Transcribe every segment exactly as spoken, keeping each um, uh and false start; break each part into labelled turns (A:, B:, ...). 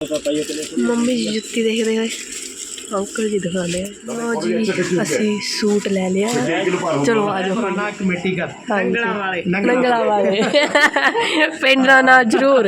A: Mummy ਜੀ ਜੁੱਤੀ ਦੇਖਦੇ ਹੋਏ ਅੰਕਲ ਜੀ ਦਿਖਾਉਂਦੇ ਆ। ਲਓ ਜੀ ਅਸੀਂ ਸੂਟ ਲੈ ਲਿਆ, ਚਲੋ ਆ ਜਾਓ।
B: ਕਮੇਟੀ ਕਰ
A: ਨੰਗਲਾ ਵਾਲੇ ਨੰਗਲਾ ਵਾਲੇ ਪਿੰਡ ਦਾ ਨਾਂ ਜ਼ਰੂਰ।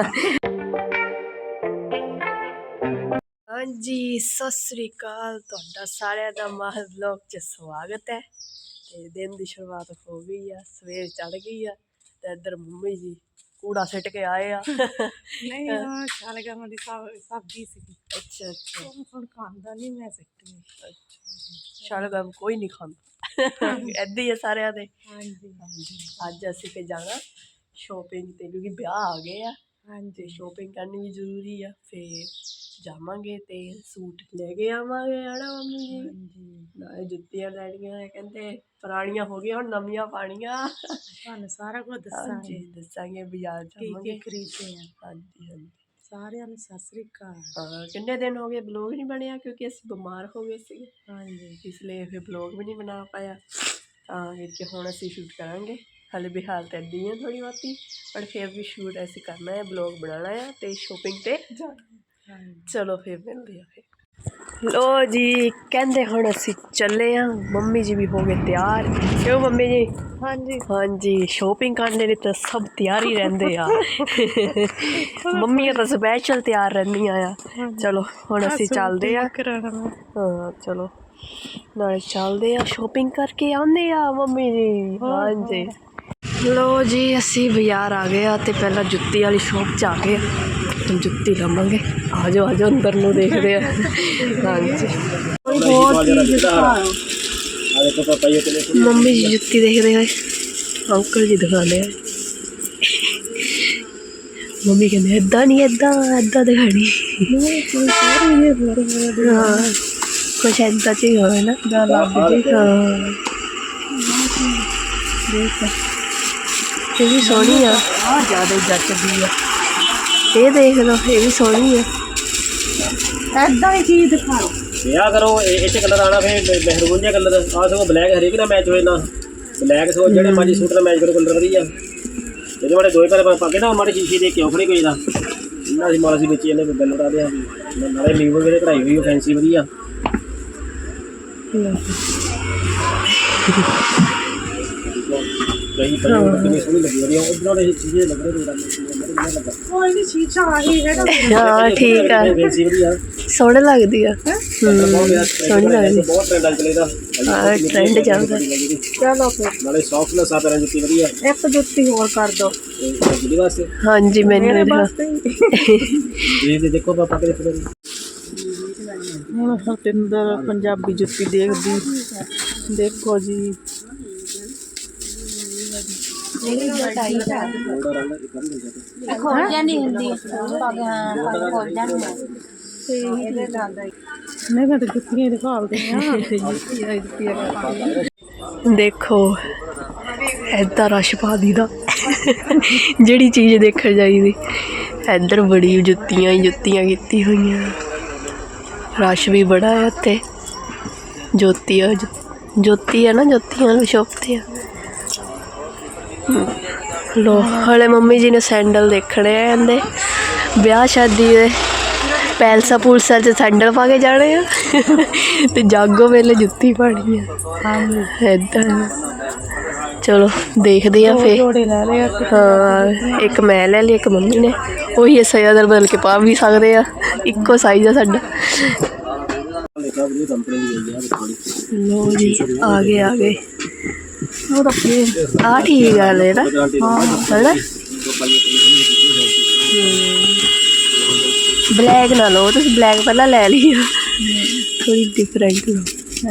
A: ਹਾਂਜੀ ਸਤਿ ਸ੍ਰੀ ਅਕਾਲ, ਤੁਹਾਡਾ ਸਾਰਿਆਂ ਦਾ ਮਾਹਰ ਵਲੌਗ 'ਚ ਸਵਾਗਤ ਹੈ। ਤੇ ਦਿਨ ਦੀ ਸ਼ੁਰੂਆਤ ਹੋ ਗਈ ਆ, ਸਵੇਰ ਚੜ ਗਈ ਆ ਤੇ ਇੱਧਰ ਮੰਮੀ ਜੀ ਕੂੜਾ ਸਿੱਟ ਕੇ ਆਏ ਆ।
B: ਨਹੀਂ ਉਹ ਸ਼ਲਗਮ ਦੀ ਸਬਜ਼ੀ ਸੀ।
A: ਅੱਛਾ ਅੱਛਾ,
B: ਹੁਣ ਖਾਂਦਾ ਨਹੀਂ, ਮੈਂ ਸਿੱਟਣੀ।
A: ਅੱਛਾ ਸ਼ਲਗਮ ਕੋਈ ਨਹੀਂ ਖਾਂਦਾ, ਇੱਦਾਂ ਹੀ ਆ ਸਾਰਿਆਂ ਦੇ।
B: ਹਾਂਜੀ
A: ਹਾਂਜੀ ਅੱਜ ਅਸੀਂ ਤੇ ਜਾਣਾ ਸ਼ੋਪਿੰਗ ਤੇ, ਕਿਉਂਕਿ ਵਿਆਹ ਆ ਗਏ ਆ। ਹਾਂਜੀ ਸ਼ੋਪਿੰਗ ਕਰਨੀ ਵੀ ਜ਼ਰੂਰੀ ਆ। ਫਿਰ ਜਾਵਾਂਗੇ ਤੇ ਸੂਟ ਲੈ ਕੇ ਆਵਾਂਗੇ, ਹਨਾ ਮੰਮੀ ਜੀ? ਹਾਂਜੀ ਨਾਲੇ ਜੁੱਤੀਆਂ ਲੈਣੀਆਂ, ਕਹਿੰਦੇ ਪੁਰਾਣੀਆਂ ਹੋ ਗਈਆਂ ਹੁਣ ਨਵੀਆਂ ਪਾਣੀਆਂ।
B: ਤੁਹਾਨੂੰ ਸਾਰਾ ਕੁਝ ਦੱਸਾਂਗੇ,
A: ਦੱਸਾਂਗੇ ਬਾਜ਼ਾਰ ਜਾਵਾਂਗੇ
B: ਖਰੀਦਦੇ ਆ।
A: ਹਾਂਜੀ ਹਾਂਜੀ
B: ਸਾਰਿਆਂ ਨੂੰ ਸਤਿ ਸ੍ਰੀ ਅਕਾਲ।
A: ਹਾਂ ਕਿੰਨੇ ਦਿਨ ਹੋ ਗਏ ਬਲੌਗ ਨਹੀਂ ਬਣਿਆ, ਕਿਉਂਕਿ ਅਸੀਂ ਬਿਮਾਰ ਹੋ ਗਏ ਸੀਗੇ।
B: ਹਾਂਜੀ
A: ਇਸ ਲਈ ਫਿਰ ਬਲੌਗ ਵੀ ਨਹੀਂ ਬਣਾ ਪਾਇਆ। ਤਾਂ ਕਰਕੇ ਹੁਣ ਅਸੀਂ ਸ਼ੂਟ ਕਰਾਂਗੇ। ਹਾਲੇ ਵੀ ਹਾਲਤ ਇੱਦਾਂ ਹੀ ਆ ਥੋੜ੍ਹੀ ਬਹੁਤੀ, ਪਰ ਫਿਰ ਵੀ ਸ਼ੂਟ ਅਸੀਂ ਕਰਨਾ ਹੈ, ਬਲੌਗ ਬਣਾਉਣਾ ਆ ਤੇ ਸ਼ੋਪਿੰਗ ਤੇ ਚਲੋ ਫਿਰ ਮਿਲਦੇ ਆ। ਫਿਰ ਲੋ ਜੀ ਕਹਿੰਦੇ ਹੁਣ ਅਸੀਂ ਚੱਲੇ ਆ। ਮੰਮੀ ਜੀ ਵੀ ਹੋ ਗਏ ਤਿਆਰ, ਕਿਉਂ ਮੰਮੀ ਜੀ?
B: ਹਾਂਜੀ
A: ਹਾਂਜੀ ਸ਼ੋਪਿੰਗ ਕਰਨੇ ਲਈ ਤਾਂ ਸਭ ਤਿਆਰ ਹੀ ਰਹਿੰਦੇ ਆ। ਮੰਮੀਆਂ ਤਾਂ ਸਪੈਸ਼ਲ ਤਿਆਰ ਰਹਿੰਦੀਆਂ ਆ। ਚਲੋ ਹੁਣ ਅਸੀਂ ਚੱਲਦੇ ਆ। ਹਾਂ ਚਲੋ ਨਾਲੇ ਚੱਲਦੇ ਆ, ਸ਼ੋਪਿੰਗ ਕਰਕੇ ਆਉਂਦੇ ਆ ਮੰਮੀ ਜੀ। ਹਾਂਜੀ ਲੋ ਜੀ ਅਸੀਂ ਬਾਜ਼ਾਰ ਆ ਗਏ ਆ ਤੇ ਪਹਿਲਾਂ ਜੁੱਤੀ ਵਾਲੀ ਸ਼ੋਪ 'ਚ ਆ ਗਏ ਆ, ਜੁੱਤੀ ਲਵਾਂਗੇ। ਆ ਜਾਓ ਆ ਜਾਓ ਅੰਦਰ ਨੂੰ ਦੇਖਦੇ ਆ। ਹਾਂਜੀ ਮੰਮੀ ਜੀ ਜੁੱਤੀ ਦੇਖਦੇ ਹੋਏ ਅੰਕਲ ਜੀ ਦਿਖਾਉਂਦੇ ਆ। ਮੰਮੀ ਕਹਿੰਦੇ ਏਦਾਂ ਨਹੀਂ, ਏਦਾਂ ਏਦਾਂ ਦਿਖਾਣੀ। ਹਾਂ ਕੁਛ ਏਦਾਂ 'ਚ ਹੀ ਹੋਵੇ ਨਾ। ਹਾਂ ਇਹ ਵੀ ਸੋਹਣੀ ਆ, ਜ਼ਿਆਦਾ ਜੱਚਦੀ ਆ। ਇਹ ਦੇਖ ਲਓ, ਇਹ ਵੀ ਸੋਹਣੀ ਆ।
B: ਏਦਾਂ ਹੀ ਚੀਜ਼ ਦਿਖਾਓ।
C: ਵਿਆਹ ਕਰੋ ਇਹ 'ਚ ਕਲਰ ਆਉਣਾ, ਫਿਰ ਮਹਿਰੂਨ ਜਿਹਾ ਕਲਰ ਆ ਸਗੋਂ ਬਲੈਕ ਹਰੇਕ ਨਾਲ ਮੈਚ ਹੋਏ ਨਾ। ਬਲੈਕ ਸਗੋਂ ਜਿਹੜੇ ਮਾੜੀ ਸੂਟ ਨਾਲ ਮੈਚ ਕਰੋ ਕਲਰ ਵਧੀਆ। ਇਹਦੇ ਮਾੜੇ ਦੋਏ ਘਰ ਪਾ ਕੇ ਨਾ ਮਾੜੀ ਸ਼ੀਸ਼ੇ ਦੇ ਕੇ ਖੜੇ ਕੋਈ ਦਾ ਇਹਨਾਂ ਅਸੀਂ ਮਾਲ ਅਸੀਂ ਵੇਚੀ ਜਾਂਦੇ ਬਿੱਲ ਉਡਾ ਦਿਆ। ਨਾਲੇ ਲੀਵ ਵਗੈਰੇ ਕਢਾਈ ਹੋਈ ਫੈਂਸੀ ਵਧੀਆ। ਕਈ ਕਿੰਨੀ ਸੋਹਣੀ ਲੱਗੀ ਵਧੀਆ, ਉਧਰ ਵਾਲੇ ਚੀਜ਼ੇ ਲੱਗ ਰਹੇ ਲੱਗਾ।
B: ਕੋਈ ਨਹੀਂ ਸ਼ੀਸ਼ਾ ਆਹੀ ਹੈਗਾ।
A: ਹਾਂ ਠੀਕ ਆ,
C: ਫੈਂਸੀ ਵਧੀਆ
A: ਸੋਹਣੀ ਲੱਗਦੀ ਆ। ਸੋਹਣੀ ਲੱਗਦੀ,
C: ਬਹੁਤ ਟ੍ਰੈਂਡ ਚੱਲਦਾ।
A: ਹਾਂ ਟ੍ਰੈਂਡ ਚੱਲਦਾ।
B: ਚਲੋ ਫਿਰ
C: ਨਾਲੇ ਸੌਫਟਨੈਸ ਆ ਪੈਰਾਂ ਜੁੱਤੀ ਵਧੀਆ।
B: ਇੱਕ ਜੁੱਤੀ ਹੋਰ ਕਰ ਦੋ
C: ਜਿਹਦੇ ਵਾਸਤੇ।
A: ਹਾਂਜੀ ਮੈਨੂੰ
C: ਇਹ ਦੇਖੋ ਪਾਪਾ ਕਿਹੜੇ ਫੜੇ।
B: ਹੁਣ ਹਰਪਿੰਦਰ ਪੰਜਾਬੀ ਜੁੱਤੀ ਦੇਖਦੀ, ਦੇਖੋ ਜੀ।
D: ਖੋਲ ਜਾਂਦੀ ਹੁੰਦੀ ਖੋਲ ਜਾਂਦੀ।
B: ਨਹੀਂ ਮੈਂ ਤਾਂ ਜੁੱਤੀਆਂ ਦਿਖਾਉਂਦੇ ਆ।
A: ਦੇਖੋ ਏਦਾਂ ਰਸ਼ ਪਾ ਦੀਦਾ, ਜਿਹੜੀ ਚੀਜ਼ ਦੇਖਣ ਜਾਈਦੀ। ਇੱਧਰ ਬੜੀ ਜੁੱਤੀਆਂ ਹੀ ਜੁੱਤੀਆਂ ਕੀਤੀ ਹੋਈਆਂ, ਰਸ਼ ਵੀ ਬੜਾ ਹੈ ਇੱਥੇ। ਜੋਤੀ ਆ ਜੋਤੀ ਆ ਨਾ, ਜੋਤੀਆਂ ਵਾਲੀ ਸ਼ੋਪ 'ਤੇ ਆ। ਲੋ ਹਲੇ ਮੰਮੀ ਜੀ ਨੇ ਸੈਂਡਲ ਦੇਖਣੇ ਆ, ਕਹਿੰਦੇ ਵਿਆਹ ਸ਼ਾਦੀ ਦੇ ਪੈਲਸਾਂ ਪੂਲਸਾਂ 'ਚ ਸੈਂਡਲ ਪਾ ਕੇ ਜਾਣੇ ਆ ਤੇ ਜਾਗੋ ਵੇਲੇ ਜੁੱਤੀ ਪਾਣੀ ਆ। ਏਦਾਂ ਚਲੋ ਦੇਖਦੇ ਆ ਫਿਰ। ਹਾਂ ਇੱਕ ਮੈਂ ਲੈ ਲਈ, ਇੱਕ ਮੰਮੀ ਨੇ। ਉਹੀ ਸਾਈਜ਼ ਅਦਰ ਬਦਲ ਕੇ ਪਾ ਵੀ ਸਕਦੇ ਆ, ਇੱਕੋ ਸਾਈਜ਼ ਆ ਸਾਡਾ। ਲੋ ਜੀ ਆ ਗਏ ਆ ਗਏ। ਉਹ ਤਾਂ ਫਿਰ ਆਹ ਠੀਕ ਆ ਲੈ ਨਾ, ਹੈ ਨਾ। ਬਲੈਕ ਨਾ ਲਓ ਤੁਸੀਂ, ਬਲੈਕ ਪਹਿਲਾਂ ਲੈ ਲਈ ਆ, ਥੋੜੀ ਡਿਫਰੈਂਟ ਲਓ।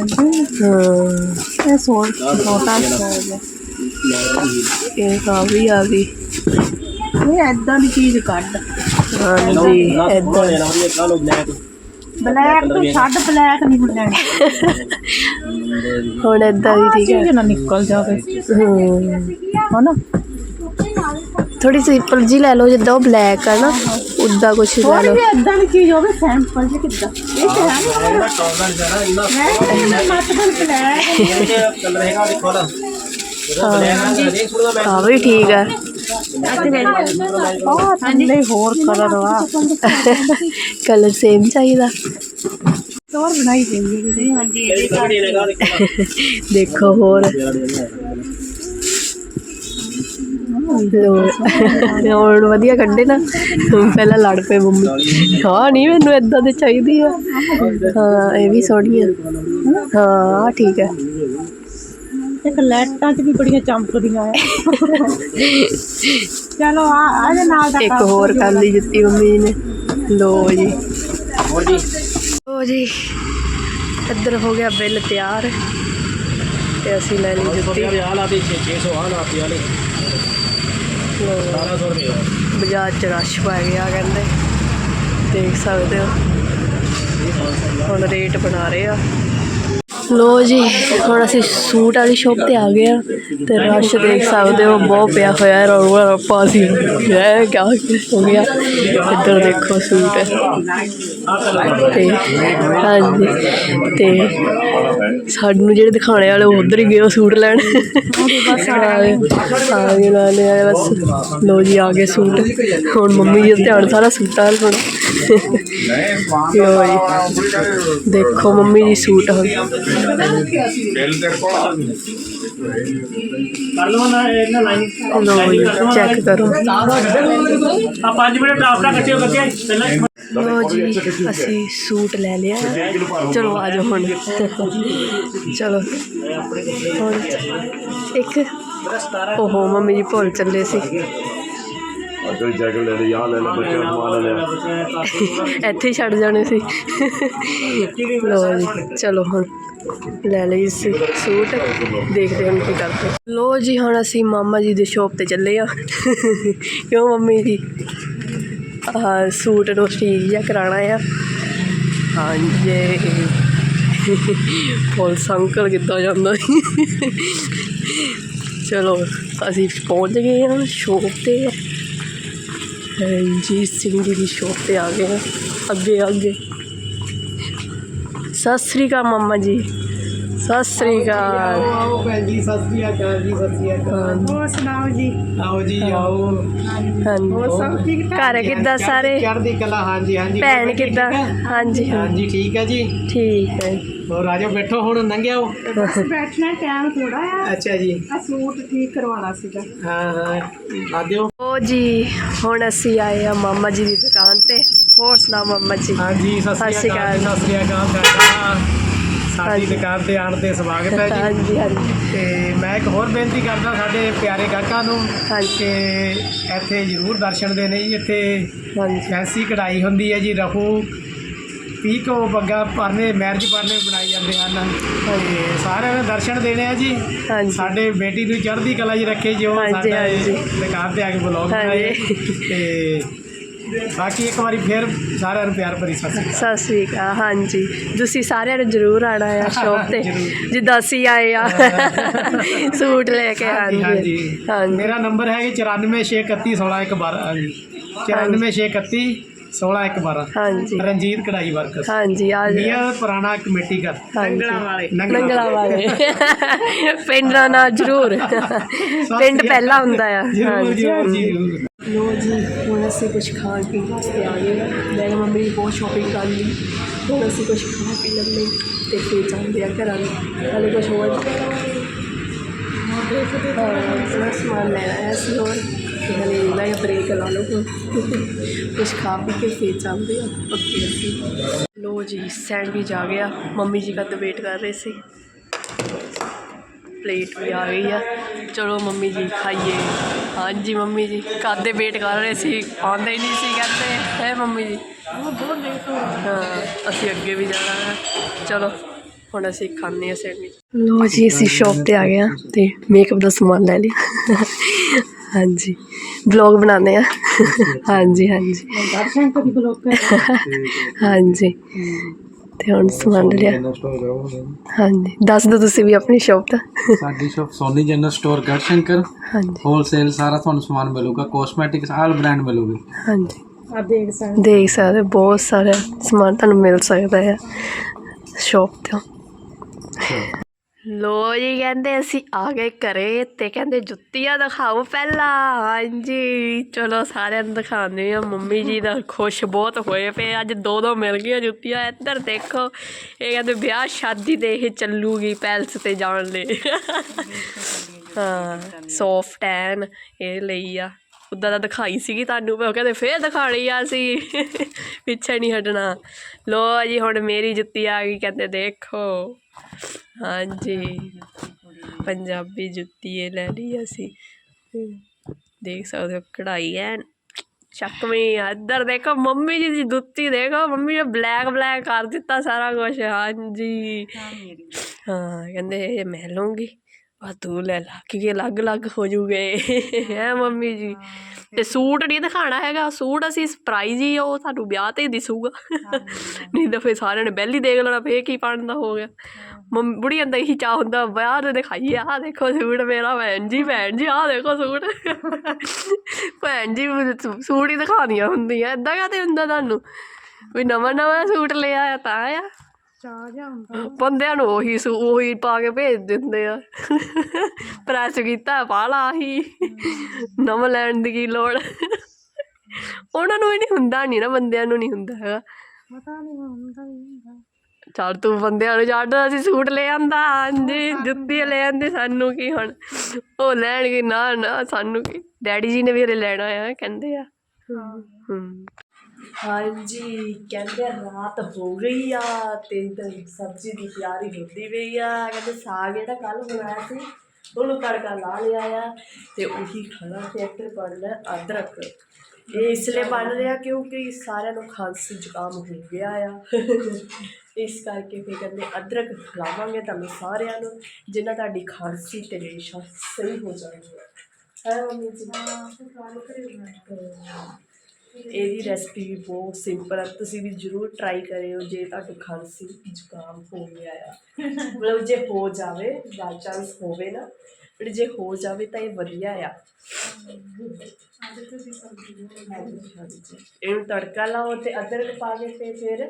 A: ਹਾਂ
B: ਇਹ ਸੋਲ ਛੋਟਾ
A: ਇਹ ਆ ਵੀ ਆ ਗਈ।
B: ਇਹ ਏਦਾਂ ਦੀ ਚੀਜ਼ ਕੱਢ।
A: ਹਾਂਜੀ ਏਦਾਂ
B: ਬਲੈਕ ਤੋਂ ਛੱਡ, ਬਲੈਕ ਨਹੀਂ ਹੁਣ ਲੈਣੀ।
A: ਹੁਣ ਏਦਾਂ ਦੀ ਠੀਕ ਹੈ
B: ਨਾ ਨਿਕਲ ਜਾਵੇ।
A: ਹਾਂ ਨਾ ਥੋੜੀ ਸਿੰਪਲ ਜੀ ਲੈ ਲਓ, ਜਿੱਦਾਂ ਉਹ ਬਲੈਕ ਆ ਨਾ ਉੱਦਾਂ ਕੁਛ ਲੈ ਲਓ।
B: ਏਦਾਂ ਦੀ ਚੀਜ਼ ਹੋਵੇ ਸਿੰਪਲ ਜੀ। ਕਿੱਦਾਂ ਇਹ ਤੇ
A: ਹਾਂ ਵੀ ਠੀਕ ਆ।
B: ਥੱਲੇ ਹੋਰ ਕਲਰ ਵਾ
A: ਕਲਰ ਸੇਮ ਚਾਹੀਦਾ।
B: ਹੋਰ ਬਣਾਈ ਜਾਂਦੀ
D: ਹਾਂਜੀ
A: ਦੇਖੋ ਹੋਰ ਲੋ ਹੁਣ ਵਧੀਆ ਕੱਢੇ ਨਾ। ਪਹਿਲਾਂ ਲੜ ਪਏ ਮੰਮੀ, ਹਾਂ ਨਹੀਂ ਮੈਨੂੰ ਏਦਾਂ ਦੀ ਚਾਹੀਦੀ ਆ। ਹਾਂ ਇਹ ਵੀ ਸੋਹਣੀ ਆ। ਹਾਂ ਠੀਕ ਹੈ।
B: ਇੱਕ ਲਾਈਟਾਂ 'ਚ ਵੀ ਬੜੀਆਂ ਚਮਕਦੀਆਂ ਆ। ਚਲੋ ਆ ਇਹਦੇ ਨਾਲ ਦਾ
A: ਇੱਕ ਹੋਰ ਕਰ ਲਈ ਜੁੱਤੀ ਮੰਮੀ ਨੇ। ਲੋ ਜੀ
C: ਹੋਰ ਜੀ
A: ਲੋ ਜੀ ਇੱਧਰ ਹੋ ਗਿਆ ਬਿੱਲ ਤਿਆਰ ਤੇ ਅਸੀਂ ਲੈ ਲਈ ਜੁੱਤੀ।
C: ਆ ਲਾ ਦੇ ਛੇ ਸੌ ਆ ਲਾ ਪਿਆ ਨੇ ਸਤਾਰਾਂ ਸੌ ਰੁਪਏ
A: ਬਾਜ਼ਾਰ 'ਚ ਰਸ਼ ਪੈ ਗਿਆ ਕਹਿੰਦੇ, ਦੇਖ ਸਕਦੇ ਹੋ। ਹੁਣ ਰੇਟ ਬਣਾ ਰਹੇ ਆ। ਲੋ ਜੀ ਹੁਣ ਅਸੀਂ ਸੂਟ ਵਾਲੀ ਸ਼ੋਪ ਤੇ ਆ ਗਏ ਆ ਤੇ ਰਸ਼ ਦੇਖ ਸਕਦੇ ਹੋ ਬਹੁਤ ਪਿਆ ਹੋਇਆ। ਰੌਲਾ ਰੱਪਾ ਸੀ ਹੈ ਕਿਆ ਹੋ ਗਿਆ। ਇੱਧਰ ਦੇਖੋ ਸੂਟ ਤੇ ਹਾਂਜੀ ਤੇ ਸਾਨੂੰ ਜਿਹੜੇ ਦਿਖਾਣੇ ਵਾਲੇ ਉਹ ਉੱਧਰ ਹੀ ਗਏ ਉਹ ਸੂਟ ਲੈਣ। ਬਸ ਆ ਗਏ ਆ ਗਏ ਲੈਣੇ ਆਏ ਬਸ। ਲੋ ਜੀ ਆ ਗਏ ਸੂਟ। ਹੁਣ ਮੰਮੀ ਜੀ ਦਾ ਧਿਆਨ ਸਾਰਾ ਸੂਟਾਂ ਵੱਲ ਹੋਣਾ। ਲੋ ਜੀ ਦੇਖੋ ਮੰਮੀ ਜੀ ਸੂਟ ਹੁਣ ਲੋ ਜੀ ਚੈੱਕ ਕਰੋ।
C: ਆ ਪੰਜ ਮਿੰਟ ਆਪਣਾ ਕੱਟਿਓ ਕੱਟਿਆ
A: ਲੋ ਜੀ ਅਸੀਂ ਸੂਟ ਲੈ ਲਿਆ। ਚਲੋ ਆ ਜਾਓ ਹੁਣ। ਚਲੋ ਹੁਣ ਇੱਕ ਓਹੋ ਮੰਮੀ ਜੀ ਭੁੱਲ ਚੱਲੇ ਸੀ। ਇੱਥੇ ਹੀ ਛੱਡ ਜਾਣੇ ਸੀ। ਲੋ ਜੀ ਚਲੋ ਹੁਣ ਲੈ ਲਈ ਸੀ ਸੂਟ, ਦੇਖਦੇ ਹਾਂ ਕੀ ਕਰਦੇ। ਲੋ ਜੀ ਹੁਣ ਅਸੀਂ ਮਾਮਾ ਜੀ ਦੀ ਸ਼ੋਪ ਤੇ ਚੱਲੇ ਆ। ਕਿਉਂ ਮੰਮੀ ਜੀ ਆਹ ਸੂਟ ਨੂੰ ਠੀਕ ਜਿਹਾ ਕਰਾਉਣਾ ਆ। ਹਾਂਜੀ ਪੁਲਿਸ ਅੰਕਲ ਕਿੱਦਾਂ ਜਾਂਦਾ। ਚਲੋ ਅਸੀਂ ਪਹੁੰਚ ਗਏ ਹਾਂ ਸ਼ੋਪ ਤੇ। ਰਣਜੀਤ ਸਿੰਘ ਜੀ ਦੀ ਸ਼ੋਪ ਤੇ ਆ ਗਏ ਹਾਂ। ਅੱਗੇ ਅੱਗੇ ਸਤਿ ਸ਼੍ਰੀ ਅਕਾਲ ਮਾਮਾ ਜੀ। ਸਤਿ ਸ਼੍ਰੀ ਅਕਾਲ।
C: ਆਓ ਭੈਣ ਜੀ ਸਤਿ ਸ਼੍ਰੀ ਅਕਾਲ ਜੀ। ਸਤਿ ਸ਼੍ਰੀ ਅਕਾਲ।
B: ਹੋਰ ਸੁਣਾਓ ਜੀ।
C: ਆਓ ਜੀ ਆਓ।
A: ਹਾਂਜੀ
B: ਸਭ ਠੀਕ ਠਾਕ।
A: ਘਰ ਕਿੱਦਾਂ ਸਾਰੇ?
C: ਚੜ੍ਹਦੀ ਕਲਾ। ਹਾਂਜੀ ਹਾਂਜੀ
A: ਭੈਣ ਕਿੱਦਾਂ? ਹਾਂਜੀ
C: ਹਾਂਜੀ ਠੀਕ ਹੈ ਜੀ।
A: ਠੀਕ ਹੈ।
C: ਹੋਰ ਆ ਜਾਓ ਬੈਠੋ ਹੁਣ ਲੰਘਿਓ।
B: ਬਸ ਬੈਠਣਾ ਟਾਈਮ ਥੋੜਾ ਆ।
C: ਅੱਛਾ ਜੀ
B: ਆ ਸੂਟ ਠੀਕ ਕਰਵਾਉਣਾ ਸੀਗਾ।
C: ਹਾਂ ਹਾਂ ਲਾ ਦਿਓ।
A: ਓ ਜੀ ਹੁਣ ਅਸੀਂ ਆਏ ਆ ਮਾਮਾ ਜੀ ਦੀ ਦੁਕਾਨ ਤੇ। ਹੋਰ ਸੁਣਾਓ ਮਾਮਾ ਜੀ।
C: ਹਾਂਜੀ ਸਤਿ ਸ਼੍ਰੀ ਅਕਾਲ। ਸਤਿ ਸ਼੍ਰੀ ਅਕਾਲ ਤੁਹਾਡਾ ਸਾਡੀ ਦੁਕਾਨ ਤੇ ਆਉਣ ਤੇ ਸਵਾਗਤ ਹੈ ਜੀ।
A: ਹਾਂਜੀ ਹਾਂਜੀ
C: ਤੇ ਮੈਂ ਇੱਕ ਹੋਰ ਬੇਨਤੀ ਕਰਦਾ ਸਾਡੇ ਪਿਆਰੇ ਗਾਹਕਾਂ ਨੂੰ ਕਿ ਇੱਥੇ ਜ਼ਰੂਰ ਦਰਸ਼ਨ ਦੇਣੇ ਜੀ। ਇੱਥੇ
A: ਹਾਂਜੀ
C: ਫੈਂਸੀ ਕਢਾਈ ਹੁੰਦੀ ਹੈ ਜੀ। ਰਫੂ ਪੀਕੋ ਬੱਗਾ ਪਰਨੇ ਮੈਰਿਜ ਪਰਨੇ ਬਣਾਏ ਜਾਂਦੇ ਹਨ। ਤੇ ਸਾਰਿਆਂ ਨੇ ਦਰਸ਼ਨ ਦੇਣੇ ਆ ਜੀ।
A: ਹਾਂਜੀ
C: ਸਾਡੇ ਬੇਟੀ ਨੂੰ ਚੜ੍ਹਦੀ ਕਲਾ 'ਚ ਰੱਖੇ ਜੋ
A: ਹਾਂਜੀ,
C: ਸਾਡੇ
A: ਹਾਂਜੀ।
C: ਦੁਕਾਨ ਤੇ ਆ ਕੇ ਬਲੌਗ ਬਣਾਏ। ਤੇ ਬਾਕੀ ਇੱਕ ਵਾਰੀ ਫਿਰ ਸਾਰਿਆਂ ਨੂੰ ਪਿਆਰ ਭਰੀ ਸਤਿ ਸ਼੍ਰੀ ਅਕਾਲ।
A: ਸਤਿ ਸ਼੍ਰੀ ਅਕਾਲ। ਹਾਂਜੀ ਤੁਸੀਂ ਸਾਰਿਆਂ ਨੇ ਜ਼ਰੂਰ ਆਉਣਾ ਆ ਸ਼ੋਪ ਤੇ ਜਿੱਦਾਂ ਅਸੀਂ ਆਏ ਆ ਸੂਟ ਲੈ ਕੇ।
C: ਹਾਂਜੀ
A: ਹਾਂਜੀ ਹਾਂਜੀ
C: ਮੇਰਾ ਨੰਬਰ ਹੈ ਕਿ ਚੁਰਾਨਵੇਂ ਛੇ ਇਕੱਤੀ ਸੋਲਾਂ ਇੱਕ ਬਾਰਾਂ। ਹਾਂਜੀ ਚੁਰਾਨਵੇਂ ਛੇ ਇਕੱਤੀ ਸੋਲਾਂ ਇੱਕ ਬਾਰਾਂ।
A: ਹਾਂਜੀ
C: ਰਣਜੀਤ ਕਢਾਈ ਵਰਕਰ।
A: ਹਾਂਜੀ ਆ
C: ਨੀਅਰ ਪੁਰਾਣਾ ਕਮੇਟੀ ਘਰ
A: ਨੰਗਲਾ
C: ਵਾਲੇ
A: ਨੰਗਲਾ ਵਾਲੇ ਪਿੰਡ ਦਾ ਨਾਂ ਜ਼ਰੂਰ। ਪਿੰਡ ਪਹਿਲਾਂ ਹੁੰਦਾ ਆ। ਹਾਂਜੀ ਲੋ ਜੀ ਹੁਣ ਅਸੀਂ ਕੁਛ ਖਾਣ ਪੀਣ ਵਾਸਤੇ ਆ ਗਏ। ਮੈਂ ਮੰਮੀ ਬਹੁਤ ਸ਼ੋਪਿੰਗ ਕਰ ਲਈ। ਹੁਣ ਅਸੀਂ ਕੁਛ ਖਾ ਪੀ ਲੈਂਦੇ ਅਤੇ ਫਿਰ ਜਾਂਦੇ ਆ ਘਰਾਂ ਨੂੰ। ਹਾਲੇ ਕੁਛ ਹੋਰ ਥੋੜ੍ਹਾ ਸਮਾਨ ਲੈਣਾ ਹੈ ਅਸੀਂ ਹੋਰ। ਅਤੇ ਹਾਲੇ ਇੰਨਾ ਜਿਹਾ ਬ੍ਰੇਕ ਲਾ ਲਓ ਹੁਣ ਕੁਛ ਖਾ ਪੀ ਕੇ ਫਿਰ ਜਾਂਦੇ ਆ ਅੱਗੇ ਅਸੀਂ। ਲੋ ਜੀ ਸੈਂਡਵਿਚ ਆ ਗਿਆ। ਮੰਮੀ ਜੀ ਕਦ ਵੇਟ ਕਰ ਰਹੇ ਸੀ। ਪਲੇਟ ਵੀ ਆ ਗਈ ਆ। ਚਲੋ ਮੰਮੀ ਜੀ ਖਾਈਏ। ਹਾਂਜੀ ਮੰਮੀ ਜੀ ਕਦ ਦੇ ਵੇਟ ਕਰ ਰਹੇ ਸੀ ਆਉਂਦੇ ਹੀ ਨਹੀਂ ਸੀ ਕਹਿੰਦੇ ਹੈ ਮੰਮੀ ਜੀ। ਹਾਂ ਅਸੀਂ ਅੱਗੇ ਵੀ ਜਾਣਾ ਹੈ। ਚਲੋ ਹੁਣ ਅਸੀਂ ਖਾਂਦੇ ਹਾਂ ਸੈਂਡਵਿਚ। ਲੋ ਜੀ ਅਸੀਂ ਸ਼ੌਪ ਤੇ ਆ ਗਏ ਹਾਂ ਅਤੇ ਮੇਕਅਪ ਦਾ ਸਮਾਨ ਲੈ ਲਿਆ। ਹਾਂਜੀ ਵਲੋਗ ਬਣਾਉਂਦੇ ਹਾਂ। ਹਾਂਜੀ ਹਾਂਜੀ ਹਾਂਜੀ ਅਤੇ ਹੁਣ ਸਮਾਨ ਲਿਆ। ਹਾਂਜੀ ਦੱਸ ਦਿਓ ਤੁਸੀਂ ਵੀ ਆਪਣੀ ਸ਼ੌਪ ਦਾ।
E: ਸਾਡੀ shop Soni general store Garhshankar.
A: ਹਾਂਜੀ
E: ਹੋਲਸੇਲ ਸਾਰਾ ਤੁਹਾਨੂੰ ਸਮਾਨ ਮਿਲੂਗਾ। ਕੋਸਮੈਟਿਕਸ ਆਲ ਬ੍ਰਾਂਡ ਮਿਲੂਗੇ।
A: ਹਾਂਜੀ
B: ਆ ਦੇਖ ਸਕਦੇ
A: ਦੇਖ ਸਕਦੇ ਬਹੁਤ ਸਾਰਾ ਸਮਾਨ ਤੁਹਾਨੂੰ ਮਿਲ ਸਕਦਾ ਹੈ ਸ਼ੌਪ ਤੋਂ। ਲੋ ਜੀ ਕਹਿੰਦੇ ਅਸੀਂ ਆ ਗਏ ਘਰੇ ਤੇ ਕਹਿੰਦੇ ਜੁੱਤੀਆਂ ਦਿਖਾਓ ਪਹਿਲਾਂ। ਹਾਂਜੀ ਚਲੋ ਸਾਰਿਆਂ ਨੂੰ ਦਿਖਾਉਂਦੇ ਆ। ਮੰਮੀ ਜੀ ਦਾ ਖੁਸ਼ ਬਹੁਤ ਹੋਏ ਪਏ, ਅੱਜ ਦੋ ਦੋ ਮਿਲ ਗਈਆਂ ਜੁੱਤੀਆਂ। ਇੱਧਰ ਦੇਖੋ ਇਹ ਕਹਿੰਦੇ ਵਿਆਹ ਸ਼ਾਦੀ ਤੇ ਇਹ ਚੱਲੂਗੀ ਪੈਲਸ ਤੇ ਜਾਣ ਲਈ। ਹਾਂ ਸੌਫਟ ਐਨ ਇਹ ਲਈ ਆ, ਉੱਦਾਂ ਦਾ ਦਿਖਾਈ ਸੀਗੀ ਤੁਹਾਨੂੰ ਮੈਂ, ਕਹਿੰਦੇ ਫੇਰ ਦਿਖਾਣੀ ਆ ਅਸੀਂ ਪਿੱਛੇ ਨਹੀਂ ਹਟਣਾ। ਲੋ ਜੀ ਹੁਣ ਮੇਰੀ ਜੁੱਤੀ ਆ ਗਈ, ਕਹਿੰਦੇ ਦੇਖੋ। ਹਾਂਜੀ ਪੰਜਾਬੀ ਜੁੱਤੀ ਇਹ ਲੈ ਲਈ ਅਸੀਂ, ਦੇਖ ਸਕਦੇ ਹੋ ਕਢਾਈ ਐ ਚੱਕਵੀਂ ਆ। ਇੱਧਰ ਦੇਖੋ ਮੰਮੀ ਜੀ ਦੀ ਜੁੱਤੀ ਦੇਖੋ, ਮੰਮੀ ਨੇ ਬਲੈਕ ਬਲੈਕ ਕਰ ਦਿੱਤਾ ਸਾਰਾ ਕੁਛ। ਹਾਂਜੀ ਹਾਂ ਕਹਿੰਦੇ ਇਹ ਮੈਂ ਲਊਂਗੀ, ਆ ਤੂੰ ਲੈ ਲਾ ਕਿਉਂਕਿ ਅਲੱਗ ਅਲੱਗ ਹੋ ਜੂਗੇ ਹੈ ਮੰਮੀ ਜੀ। ਤੇ ਸੂਟ ਨਹੀਂ ਦਿਖਾਉਣਾ ਹੈਗਾ, ਸੂਟ ਅਸੀਂ ਸਰਪ੍ਰਾਈਜ਼ ਹੀ ਉਹ ਤੁਹਾਨੂੰ ਵਿਆਹ ਤੇ ਹੀ ਦਿਸੂਗਾ। ਨਹੀਂ ਤਾਂ ਫਿਰ ਸਾਰਿਆਂ ਨੇ ਪਹਿਲੀ ਦੇਖ ਲੈਣਾ ਫੇਰ ਕੀ ਪਾਉਣ ਦਾ ਹੋ ਗਿਆ। ਮੰਮੀ ਬੁੜੀਆਂ ਦਾ ਇਹੀ ਚਾਹ ਹੁੰਦਾ ਵਿਆਹ ਤੇ ਦਿਖਾਈਏ, ਆਹ ਦੇਖੋ ਸੂਟ ਮੇਰਾ। ਭੈਣ ਜੀ ਭੈਣ ਜੀ ਆਹ ਦੇਖੋ ਸੂਟ। ਭੈਣ ਜੀ ਸੂਟ ਹੀ ਦਿਖਾਉਣੀਆਂ ਹੁੰਦੀਆਂ, ਏਦਾਂ ਕਾਹਤੇ ਹੁੰਦਾ ਤੁਹਾਨੂੰ ਵੀ ਨਵਾਂ ਨਵਾਂ ਸੂਟ ਲਿਆ ਆ ਤਾਂ ਆ।
B: ਚਾਹ ਜਿਹਾ ਹੁੰਦਾ
A: ਬੰਦਿਆਂ ਨੂੰ ਉਹੀ ਸੂ ਉਹੀ ਪਾ ਕੇ ਭੇਜ ਦਿੰਦੇ ਆ। ਪ੍ਰੈਸ ਕੀਤਾ ਪਾ ਲਾ ਆਹੀ, ਨਵਾਂ ਲੈਣ ਦੀ ਕੀ ਲੋੜ। ਉਹਨਾਂ ਨੂੰ ਵੀ ਨਹੀਂ ਹੁੰਦਾ, ਨਹੀਂ ਨਾ ਬੰਦਿਆਂ ਨੂੰ ਨਹੀਂ ਹੁੰਦਾ ਹੈਗਾ।
B: ਪਤਾ ਨਹੀਂ ਹੁੰਦਾ ਹੀ ਹੁੰਦਾ।
A: ਚੱਲ ਤੂੰ ਬੰਦਿਆਂ ਨੂੰ ਛੱਡ, ਅਸੀਂ ਸੂਟ ਲੈ ਆਂਦਾ। ਹਾਂਜੀ ਜੁੱਤੀ ਲੈ ਆਂਦੇ, ਸਾਨੂੰ ਕੀ ਹੁਣ ਉਹ ਲੈਣਗੇ। ਨਾ ਨਾ ਸਾਨੂੰ ਕੀ, ਡੈਡੀ ਜੀ ਨੇ ਵੀ ਹਲੇ ਲੈਣਾ ਆ ਕਹਿੰਦੇ ਆ। ਹੂੰ ਹਾਂਜੀ ਕਹਿੰਦੇ ਰਾਤ ਹੋ ਗਈ ਆ ਤੇ ਇੱਧਰ ਸਬਜ਼ੀ ਦੀ ਤਿਆਰੀ ਹੁੰਦੀ ਪਈ ਆ। ਕਹਿੰਦੇ ਸਾਗ ਜਿਹੜਾ ਕੱਲ੍ਹ ਬਣਾਇਆ ਸੀ ਉਹਨੂੰ ਤੜਕਾ ਲਾ ਲਿਆ ਆ ਤੇ ਉਹੀ ਖਾਣਾ। ਤੇ ਇੱਧਰ ਬਣਨਾ ਅਦਰਕ, ਇਹ ਇਸ ਲਈ ਬਣ ਰਿਹਾ ਕਿਉਂਕਿ ਸਾਰਿਆਂ ਨੂੰ ਖਾਂਸੀ ਜ਼ੁਕਾਮ ਹੋ ਗਿਆ ਆ। ਇਸ ਕਰਕੇ ਫਿਰ ਕਹਿੰਦੇ ਅਦਰਕ ਖਿਲਾਵਾਂਗੇ ਤੁਹਾਨੂੰ ਸਾਰਿਆਂ ਨੂੰ, ਜਿਨ੍ਹਾਂ ਤੁਹਾਡੀ ਖਾਂਸੀ ਤੇ ਰੇਸ਼ਾ ਸਹੀ ਹੋ ਜਾਣਗੇ। ਹੈ ਮੰਮੀ ਜੀ ਇਹਦੀ ਰੈਸਪੀ ਵੀ ਬਹੁਤ ਸਿੰਪਲ ਹੈ, ਤੁਸੀਂ ਵੀ ਜ਼ਰੂਰ ਟਰਾਈ ਕਰਿਓ ਜੇ ਤੁਹਾਨੂੰ ਖਾਂਸੀ ਜ਼ੁਕਾਮ ਹੋ ਗਿਆ ਆ। ਮਤਲਬ ਜੇ ਹੋ ਜਾਵੇ ਬਾਈ ਚਾਂਸ ਹੋਵੇ ਨਾ, ਬਟ ਜੇ ਹੋ ਜਾਵੇ ਤਾਂ ਇਹ ਵਧੀਆ ਆ। ਇਹਨੂੰ ਤੜਕਾ ਲਾਓ ਤੇ ਅਦਰਕ ਪਾ ਕੇ ਤੇ ਫਿਰ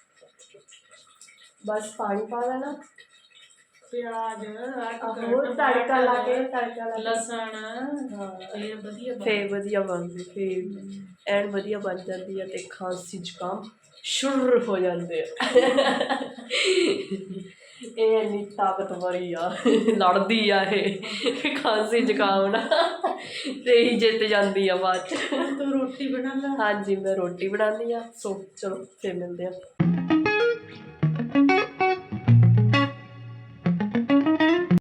A: ਬਸ ਪਾਣੀ ਪਾ ਦੇਣਾ, ਪਿਆਜ਼ ਹੋਰ ਤੜਕਾ ਲਾ ਕੇ ਤੜਕਾ ਲਾ ਲਸਣ। ਹਾਂ ਇਹ ਵਧੀਆ ਫਿਰ ਵਧੀਆ ਬਣਦੀ, ਫਿਰ ਐਨ ਵਧੀਆ ਬਣ ਜਾਂਦੀ ਹੈ ਤੇ ਖਾਂਸੀ ਜ਼ੁਕਾਮ ਸ਼ੁਰੂ ਹੋ ਜਾਂਦੇ ਆ। ਇਹ ਇੰਨੀ ਤਾਕਤਵਰੀ ਆ, ਲੜਦੀ ਆ ਇਹ ਖਾਂਸੀ ਜ਼ੁਕਾਮ ਨਾਲ ਤੇ ਹੀ ਜਿੱਤ ਜਾਂਦੀ ਆ ਬਾਅਦ 'ਚ। ਤੂੰ ਰੋਟੀ ਬਣਾ ਲੈ। ਹਾਂਜੀ ਮੈਂ ਰੋਟੀ ਬਣਾਉਂਦੀ ਆ। ਸੋ ਚਲੋ ਫਿਰ ਮਿਲਦੇ ਆ।